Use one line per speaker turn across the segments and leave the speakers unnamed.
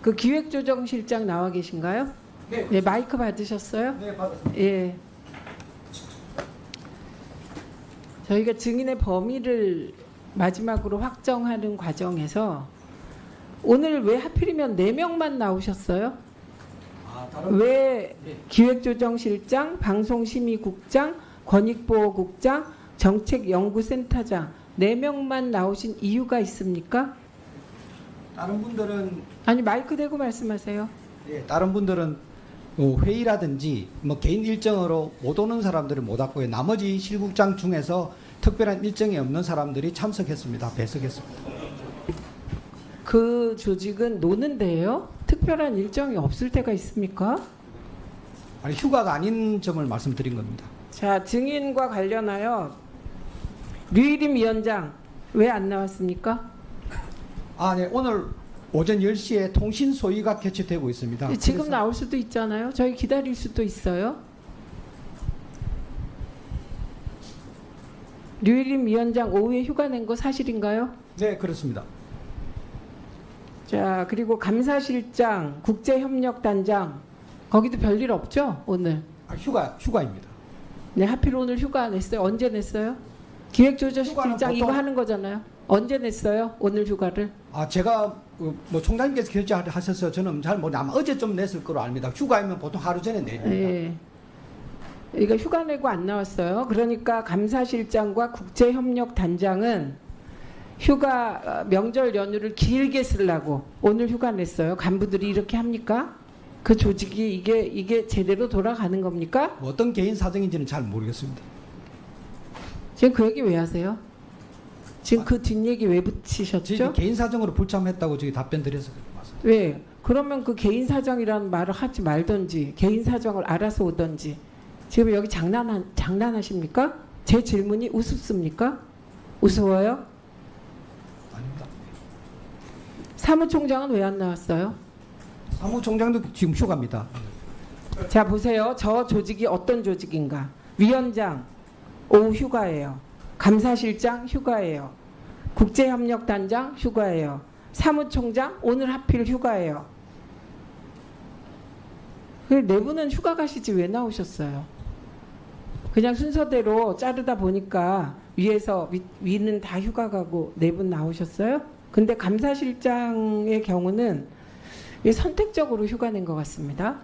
그 기획조정실장 나와 계신가요?
네.
네, 마이크 받으셨어요?
네, 받았습니다.
예. 저희가 증인의 범위를 마지막으로 확정하는 과정에서 오늘 왜 하필이면 4명만 나오셨어요?
다른
왜
네.
기획조정실장, 방송심의국장, 권익보호국장, 정책연구센터장 4명만 나오신 이유가 있습니까?
다른 분들은
아니 마이크 대고 말씀하세요.
다른 분들은 회의라든지 뭐 개인 일정으로 못 오는 사람들은 못 왔고요. 나머지 실국장 중에서 특별한 일정이 없는 사람들이 참석했습니다. 배석했습니다.
그 조직은 노는데요. 특별한 일정이 없을 때가 있습니까?
아니 휴가가 아닌 점을 말씀드린 겁니다.
자, 증인과 관련하여 류일임 위원장 왜 안 나왔습니까?
네. 오늘 오전 10시에 통신 소위가 개최되고 있습니다.
지금
그래서
나올 수도 있잖아요. 저희 기다릴 수도 있어요. 류일임 위원장 오후에 휴가 낸 거 사실인가요?
네, 그렇습니다.
자, 그리고 감사실장, 국제협력단장 거기도 별일 없죠? 오늘.
휴가입니다.
네, 하필 오늘 휴가 냈어요. 언제 냈어요? 기획조정실장
휴가는
이거
보통-
하는 거잖아요. 언제 냈어요? 오늘 휴가를?
제가 뭐 총장님께서 결정하셔서 저는 잘 모르는데 아마 어제 좀 냈을 거로 압니다. 휴가이면 보통 하루 전에 내립니다.
예. 이거 휴가 내고 안 나왔어요. 그러니까 감사실장과 국제협력단장은 휴가 명절 연휴를 길게 쓰려고 오늘 휴가 냈어요. 간부들이 이렇게 합니까? 그 조직이 이게 제대로 돌아가는 겁니까?
뭐 어떤 개인 사정인지는 잘 모르겠습니다.
지금 그 얘기 왜 하세요? 지금 그 뒷얘기 왜 붙이셨죠?
저희 개인 사정으로 불참했다고 저희 답변 드려서 맞습니다.
왜? 그러면 그 개인 사정이라는 말을 하지 말던지 개인 사정을 알아서 오던지. 지금 여기 장난하십니까? 제 질문이 우습습니까? 우스워요?
아닙니다.
사무총장은 왜 안 나왔어요?
사무총장도 지금 휴가입니다.
자 보세요. 저 조직이 어떤 조직인가. 위원장 오후 휴가예요. 감사실장 휴가예요. 국제협력단장 휴가예요. 사무총장 오늘 하필 휴가예요. 네 분은 휴가 가시지 왜 나오셨어요? 그냥 순서대로 자르다 보니까 위는 다 휴가 가고 4분 나오셨어요? 근데 감사실장의 경우는 선택적으로 휴가 낸 것 같습니다.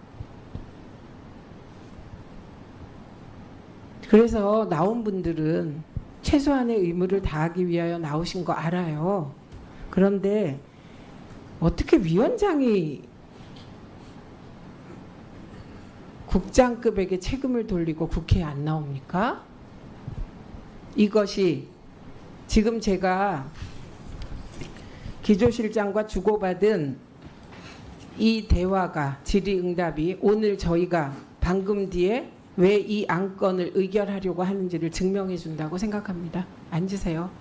그래서 나온 분들은 최소한의 의무를 다하기 위하여 나오신 거 알아요. 그런데 어떻게 위원장이 국장급에게 책임을 돌리고 국회에 안 나옵니까? 이것이 지금 제가 기조실장과 주고받은 이 대화가 질의응답이 오늘 저희가 방금 뒤에 왜 이 안건을 의결하려고 하는지를 증명해 준다고 생각합니다. 앉으세요.